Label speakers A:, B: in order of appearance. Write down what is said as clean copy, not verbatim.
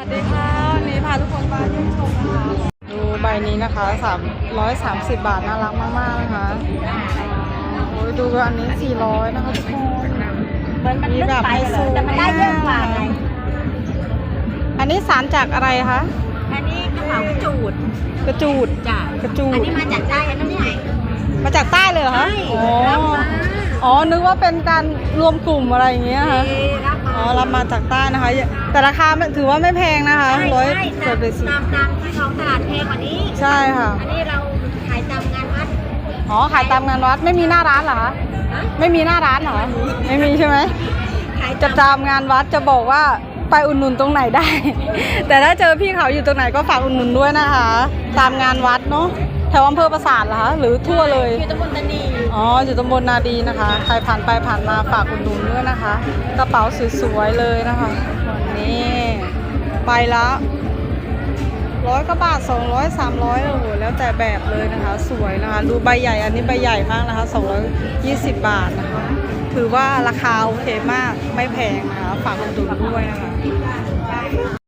A: สดีค่ะวันนี้พาทุกคนมาเยี่ยมชมนะคะดูใบนี้นะคะ330 บาทน่ารักมากๆนะคะโอ้ยดูอันนี้400นะคะทุกคนมีแบบไฮโซแต่มันได้เยอะกว่าไงอันนี้สารจากอะไรคะ
B: อันนี้กระเป๋ากระจูดจ้ะ
A: กระจูด
B: อันนี้มาจากใต้นะเนี่ย
A: มาจากใต้เลยเหรอคะอ๋อนึกว่าเป็นการรวมกลุ่มอะไรอย่างเงี้ยค่ะอ๋อรับมาจากใต้นะคะแต่ราคาถือว่าไม่แพงนะคะ100เกิดไปสิ
B: ตามที่ท้องตลาดแพงกว่านี้
A: ใช่ค่ะ
B: อันนี้เราขายตามงานวัด
A: อ๋อขายตามงานวัดไม่มีหน้าร้านเหรอคะไม่มีหน้าร้านเหรอไม่มีใช่ไหมจะตามงานวัดจะบอกว่าไปอุดหนุนตรงไหนได้ แต่ถ้าเจอพี่เขาอยู่ตรงไหนก็ฝากอุดหนุนด้วยนะคะตามงานวัดเนาะแถวอำเภอปราสาทเหรอคะหรือทั่วเลย
B: อยู่ตำบลตานี
A: อ๋ออยู่ตำบลนาดีนะคะใครผ่านไปผ่านมาฝากอุดหนุนด้วยนะคะกระเป๋าสวยๆเลยนะคะนี่ไปละ100 กว่าบาท200 300โอ้โหแล้วแต่แบบเลยนะคะสวยนะคะดูใบใหญ่อันนี้ใบใหญ่มากนะคะ220 บาทนะคะถือว่าราคาโอเคมากไม่แพงนะคะฝากอุดหนุนด้วยนะคะ